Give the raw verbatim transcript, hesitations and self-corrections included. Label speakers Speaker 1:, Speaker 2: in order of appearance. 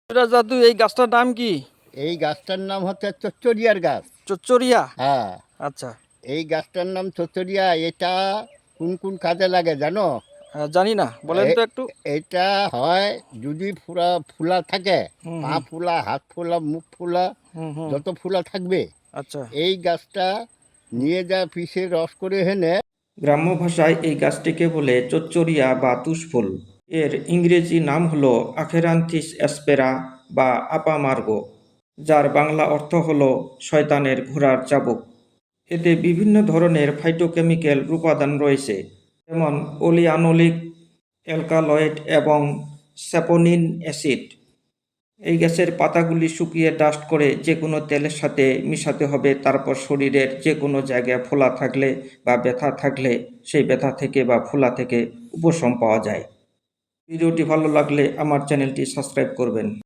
Speaker 1: এটা জাদু, এই গাছটার নাম কি?
Speaker 2: এই গাছটার নাম হচ্ছে চচ্চরিয়ার গাছ।
Speaker 1: চচ্চরিয়া?
Speaker 2: হ্যাঁ,
Speaker 1: আচ্ছা।
Speaker 2: এই গাছটার নাম চচ্চরিয়া। এটা কোন কোন কাজে লাগে জানো?
Speaker 1: আহ, জানি না, বলেন তো
Speaker 2: এ-
Speaker 1: একটু।
Speaker 2: এটা হয় যদি ফুলা ফুলা থাকে,
Speaker 1: হুম
Speaker 2: পা
Speaker 1: হুম
Speaker 2: ফুলা, হাত ফুলা, মুখ ফুলা,
Speaker 1: হুম হুম।
Speaker 2: যত ফুলা থাকবে
Speaker 1: আচ্ছা।
Speaker 2: এই গাছটা নিয়ে যা পিষে রস করে হেনে।
Speaker 3: গ্রাম্য ভাষায় এই গাছটিকে বলে চচ্চরিয়া বা তুষফুল। এর ইংরেজি নাম হল আখেরান্থিস অ্যাসপেরা বা আপামার্গো, যার বাংলা অর্থ হল শয়তানের ঘোড়ার চাবুক। এতে বিভিন্ন ধরনের ফাইটোকেমিক্যাল উপাদান রয়েছে, যেমন অলিয়ানোলিক, অ্যালকালয়েড এবং স্যাপোনিন অ্যাসিড। এই গাছের পাতাগুলি শুকিয়ে ডাস্ট করে যে কোনো তেলের সাথে মিশাতে হবে, তারপর শরীরের যে কোনো জায়গায় ফোলা থাকলে বা ব্যথা থাকলে সেই ব্যথা থেকে বা ফোলা থেকে উপশম পাওয়া যায়। ভিডিওটি ভালো লাগলে আমার চ্যানেলটি সাবস্ক্রাইব করবেন।